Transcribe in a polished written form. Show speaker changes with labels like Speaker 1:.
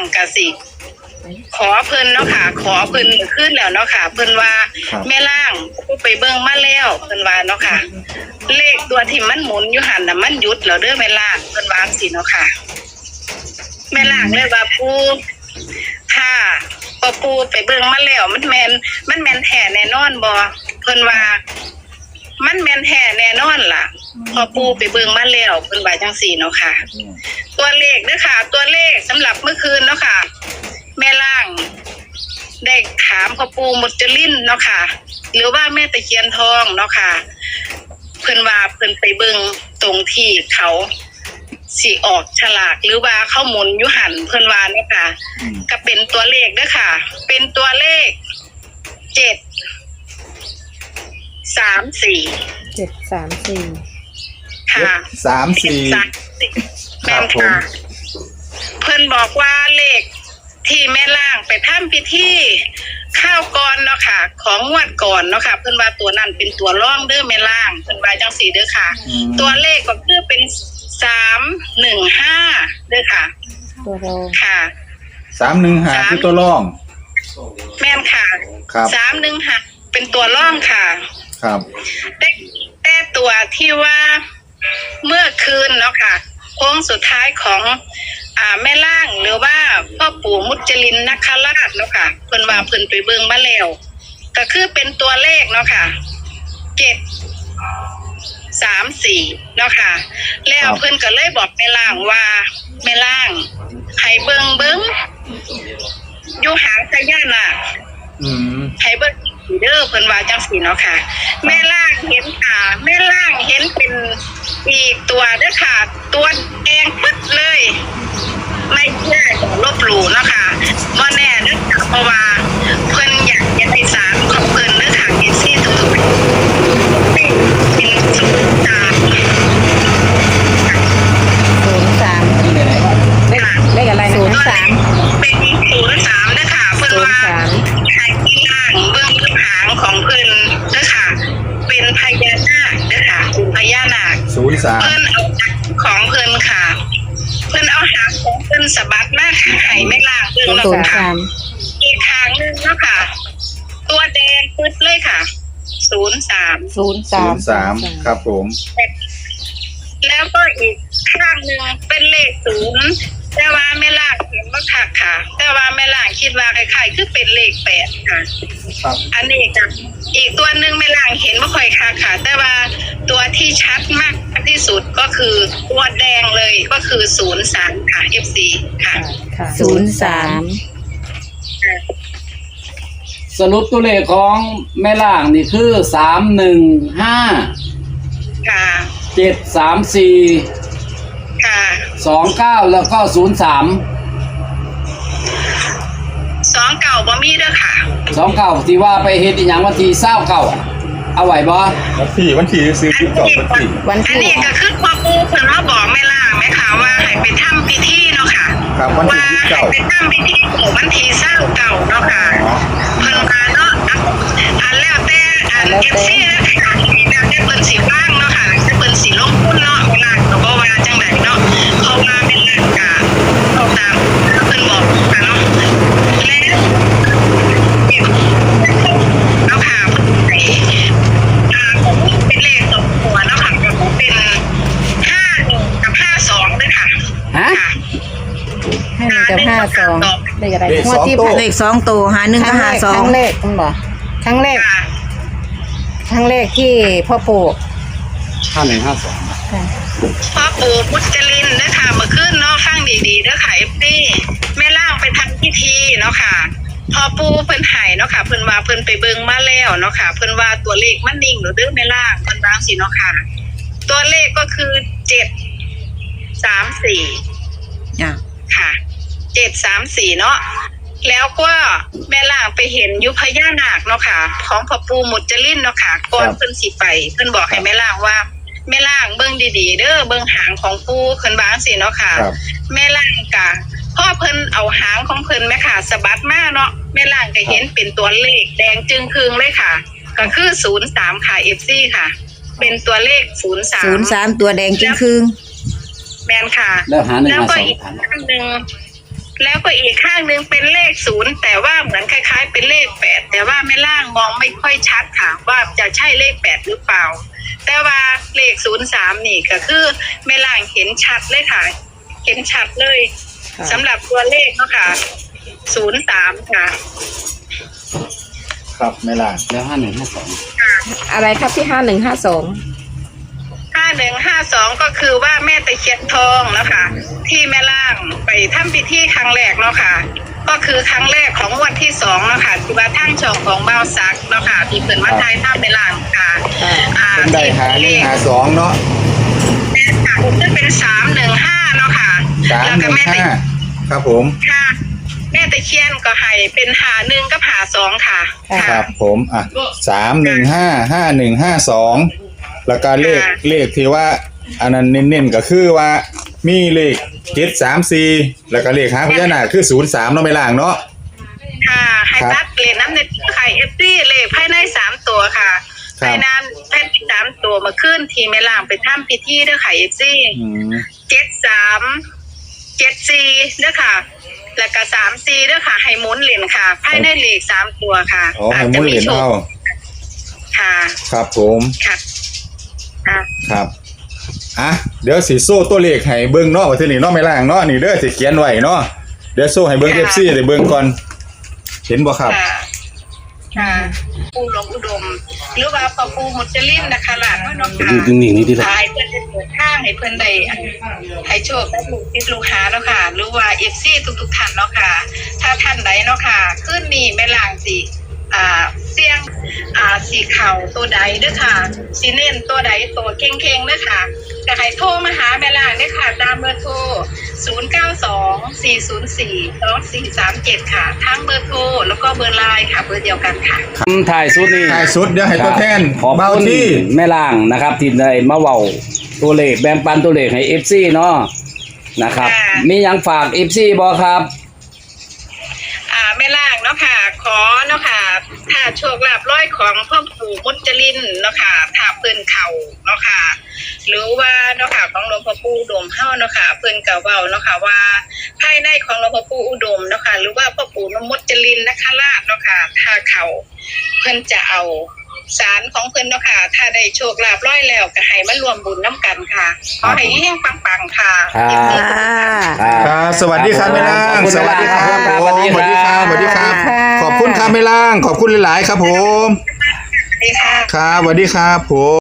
Speaker 1: กะสิขอเพิ่นเนาะค่ะขอเพิ่นขึ้นแล้วเนาะค่ะเพิ่นว่าแม่ล่างไปเบิ่งมาแล้วเพิ่นว่าเนาะค่ะเลขตัวที่มันหมุนอยู่หันน่ะมันหยุดแล้วเด้อแม่ล่างเพิ่นว่าสิเนาะค่ะแม่ล่างเลยว่าปูถ้าปูไปเบิ่งมาแล้วมันแม่นแท้แน่นอนบ่เพิ่นว่ามันแม่นแท้แน่นอนล่ะพอปูไปเบิ่งมาแล้วเพิ่นว่าจังซี่เนาะค่ะตัวเลขเด้อค่ะตัวเลขสำหรับเมื่อคืนเนาะค่ะแม่ล่างได้ถามพ่อปู่มุจลินเนาะค่ะหรือว่าแม่ตะเคียนทองเนาะค่ะเพิ่นว่าเพิ่นไปเบิ่งตรงที่เขาสิออกฉลากหรือว่าเขาหมุนอยู่หันเพิ่นว่าเนาะค่ะก็เป็นตัวเลขเด้อค่ะเป็นตัวเลข734 ค่ะแม่นค่ะเพิ่นบอกว่าเลขที่แม่ล่างไปทำพิธีข้าวก่อนเนาะค่ะของงวดก่อนเนาะค่ะเพิ่นว่าตัวนั้นเป็นตัวร่องเด้อแม่ล่างเพิ่นว่าจังซี่เด้อค่ะตัวเลขก็คือเป็น315เด้อค่ะ
Speaker 2: ตัวรอง
Speaker 1: ค่ะ
Speaker 3: 315คือตัวร่อง
Speaker 1: แม่นค่ะ315เป็นตัวร่องค่ะ
Speaker 3: ครับ
Speaker 1: แต่ตัวที่ว่าเมื่อคืนเนาะค่ะโค้งสุดท้ายของแม่ล่างหรือว่าพ่อปู่มุจลินนคราชเนาะค่ะเพิ่นว่าเพิ่นไปเบิ่งมาแล้วก็คือเป็นตัวเลขเนาะค่ะ734เนาะค่ะแล้วเพิ่นก็เลยบอกแม่ล่างว่าแม่ล่างให้เบิ่งอยู่หางพญานาคให้เบิ่งเด้อเพิ่นว่าจังซี่เนาะค่ะแม่ล่างเห็นแม่ล่างเห็นเป็นอีกตัวเด้อค่ะตัวแดงปึ๊ดเลยไม่เชื่อลบหลู่นะคะบ่แน่เด้อค่ะเพราะว่าเพิ่นอยากจะได้สารของเพิ่นเด้อค่ะเอซี่ทุกๆเป็น
Speaker 2: เลขอะไรนะ
Speaker 1: 03เป็น03เด้อค่ะเพิ่นว่าให้ที่ล่างเบื้องหางของเพิ่นเด้อค่ะเป็นพญานาคเด้อค่ะเป็นพญานาค
Speaker 3: 03
Speaker 1: เพิ่นเอาของเพิ่นค่ะเพิ่นเอาหางของเพิ่นสะบัดมาให้แม่ล่างเบิ่งเนาะค่ะอีกทางนึงเนาะค่ะตัวแดงปึ๊ดเลยค่ะ03
Speaker 3: ครับผม
Speaker 1: แล้วก็อีกข้างนึงเป็นเลข0แต่ว่าแม่ล่างเห็นบ่คักค่ะแต่ว่าแม่ล่างคิดว่าคล้ายๆคือเป็นเลข8ค่ะ
Speaker 3: ครับ
Speaker 1: อันนี้กับอีกตัวนึงแม่ล่างเห็นบ่ค่อยคักค่ะแต่ว่าตัวที่ชัดมากที่สุดก็คือตัวแดงเลยก็คือ03ค่ะ FC ค่ะ
Speaker 4: สรุปตัวเลขของแม่ล่างนี่คือ315
Speaker 1: ค่ะ
Speaker 4: 734
Speaker 1: ค่ะ
Speaker 4: 29แล้วก็03
Speaker 1: 29บ่มีเด้อค่ะ
Speaker 4: 29ที่ว่าไปเฮ็ดอีหยังวันที่29เอาไว้บ่
Speaker 3: วันที่ซื้อคลิปเก่า
Speaker 1: อันนี้ก็คือพ่อปู่เพิ่นมาบอกแม่ล่างแม่ค่ะว่าให้ไปทำพิธีเนาะค่ะ
Speaker 3: ครับวันที่
Speaker 1: 29ไปทำพิธีวันที่29เนาะค่ะเพิ่นมาเนาะแล้วแต่FC นะคะแล้วแต่เพิ่นสิว่างเนาะค่ะแต่เพิ่นสิลงทุนเนาะแม่ล่างก็บ่ว่าจังได๋เนาะเพราะว่าแม่ล่างก็เอาตามเพิ่นบอกค่ะเนาะแล้วเอาค่ะเป็นเลข2ตัวเนาะค่ะก็เป็น51กับ52ด้วยค่ะ
Speaker 2: 51กับ52เลขอะไร
Speaker 3: งวดที่
Speaker 5: เลข2ตัว51กับ52
Speaker 2: ครั้งแรกคุณบ่ครั้งแรกที่พ่อปู่
Speaker 4: 5152
Speaker 1: พ่อปู่มุจลินนะคะเมื่อคืนเนาะฟังดีๆเด้อค่ะ FC แม่ล่างไปทำพิธีเนาะค่ะพอปู่เพิ่นให้เนาะค่ะเพิ่นว่าเพิ่นไปเบิ่งมาแล้วเนาะค่ะเพิ่นว่าตัวเลขมันนิ่งเด้อแม่ล่างเพิ่นว่าสิเนาะค่ะตัวเลขก็คือ734ค่ะ734เนาะแล้วก็แม่ล่างไปเห็นยุพญานาคเนาะค่ะของพ่อปู่มุจลินเนาะค่ะก่อนเพิ่นสิไปเพิ่นบอกให้แม่ล่างว่าแม่ล่างเบิ่งดีๆเด้อเบิ่งหางของปู่เพิ่นว่าจังซี่เนาะค่ะแม่ล่างก็พอเพิ่นเอาหางของเพิ่นแม่ค่ะสะบัดมาเนาะแม่ล่างก็เห็นเป็นตัวเลขแดงจึงครึ่งเลยค่ะก็คือ03ค่ะ FC ค่ะเป็นตัวเลข03
Speaker 5: ตัวแดงจึงครึ่ง
Speaker 1: แม่นค่ะ
Speaker 4: แล้วหา152
Speaker 1: แล้วก็อีกครั้งนึงแล้วก็อีกข้างหนึ่งเป็นเลข0แต่ว่าเหมือนคล้ายๆ เป็นเลข8แต่ว่าแม่ล่างมองไม่ค่อยชัดค่ะ ว่าจะใช่เลข8หรือเปล่า แต่ว่าเลข03นี่ก็คือแม่ล่างเห็นชัดเลยค่ะ เห็นชัดเลยสำหรับตัวเลขเนาะค่ะ03ค่ะ
Speaker 3: ครับแม่ล่าง
Speaker 4: แล้ว5152
Speaker 2: อะไรครับที่5152
Speaker 1: 5152ก็คือว่าแม่ตะเคียนทองแล้วค่ะ ที่แม่ล่างไปทำพิธีครั้งแรกเนาะค่ะ ก็คือครั้งแรกของวันที่2เนาะค่ะที่ว่าทั้งช่องของบ่าวซักเนาะค่ะที่เพิ่นมาทายทำแม่ล่างค่ะ
Speaker 3: เป็นได้หาหนึ่งหาสองเนาะ
Speaker 1: จะเป็น315เนาะค่ะ แล้วก็แม่ตะ
Speaker 3: 315ครับผม
Speaker 1: ค่ะ แม่ตะเคียนก็ให้เป็น51กับ52ค่ะ
Speaker 3: ครับผมอ่ะ3155152แล้วก็เลขที่ว่าอันนั้นเน้นๆก็คือว่ามีเลข734แล้วก็เลขหางพญานาคคือ03เนาะแม่ล่างเนาะ
Speaker 1: ค่ะให้ตัดเลนน้ำในไข่FDเลขภายใน3ตัวค่ะภายใน3ตัวมาขึ้นทีแม่ล่างไปทำพิธีเด้อค่ะ FD 73 74เด้อค่ะ แล้วก็34เด้อค่ะให้หมุนเหรียญค่ะภายในเลข3ตัวค่ะ
Speaker 3: อ๋อให้หมุนเหรียญเอา
Speaker 1: ค่ะ
Speaker 3: ครับผม
Speaker 1: ค่ะค่ะ
Speaker 3: ครับอ่ะเดี๋ยวสิโซ่ตัวเลขให้เบิ่งเนาะว่าทีนี้เนาะแม่ล่างเนาะนี่เด้อสิเขียนไว้เนาะเดี๋ยวโซ่ให้เบิ่ง FC ได้เบิ่งก่อนเห็นบ่ครับ
Speaker 1: ค่ะค่ะปูหลวงอุดม หรือว่าพ่อปูมุจลินนะคะหลานว่าน้องค่ะ
Speaker 4: อยู่นิ่งๆนี่ดิล่ะ
Speaker 1: ขายเพื่อนจะเปิดทางให้เพื่อนได้ให้โชคและลูกติดลูกค้าเนาะค่ะ หรือว่าFC ทุกท่านเนาะค่ะ ถ้าท่านใดเนาะค่ะขึ้นนี่แม่ล่างสิเสี่ยงสีเข่าตัวใดเด้อค่ะสีเน้นตัวใดตัวเก่งๆเด้อค่ะก็ให้โทรมาหาแม่ล่างเด้อค่ะตามเบอร์โทร0924042437ค่ะทั้งเบอร์โทรแล้วก็เบอร์ไลน์ค่ะเบอร์เดียวกันค่ะ
Speaker 4: ถ่ายสุดนี่
Speaker 3: ท้ายสุดเดี๋ยวให้ตัวแทน
Speaker 4: ขอบ
Speaker 3: เบา
Speaker 4: คุณ
Speaker 3: ที่
Speaker 4: แม่ล่างนะครับที่ได้มาเว้าตัวเลขแบ่งปันตัวเลขให้ FC เนาะนะครับ
Speaker 1: ค่ะ
Speaker 4: มีหยังฝาก FC บ่ครับ
Speaker 1: แม่ล่างเนาะค่ะ ขอเนาะค่ะถ้าโชคลาภร้อยของพ่อปู่มุจลินเนาะค่ะถ้าเพิ่นเข่าเนาะค่ะ หรือว่าเนาะค่ะของหลวงพ่อปู่อุดมเฮาเนาะค่ะเพิ่นก็เว้าเนาะค่ะว่าภายในของหลวงพ่อปู่อุดมเนาะค่ะหรือว่าพ่อปู่มุจลินนคราชเนาะค่ะถ้าเข่าเพิ่นจะเอาสารของเพิ่นเนาะค่ะถ้าได้โชคลาภร้อยแล้วก็ให้มารวมบุญน้ำกันค่ะขอให้เฮงปังๆค่ะ
Speaker 4: ครับ
Speaker 3: ครับสวัสดีครับแม่ล่าง สวัสดีครับ
Speaker 4: สวัสดีครับ
Speaker 3: สวัสดีครับ
Speaker 2: ค่ะ
Speaker 3: ขอบคุณครับแม่ล่างขอบคุณหลายๆครับผม
Speaker 1: สวัสดีค่ะ
Speaker 3: ครับสวัสดีครับผม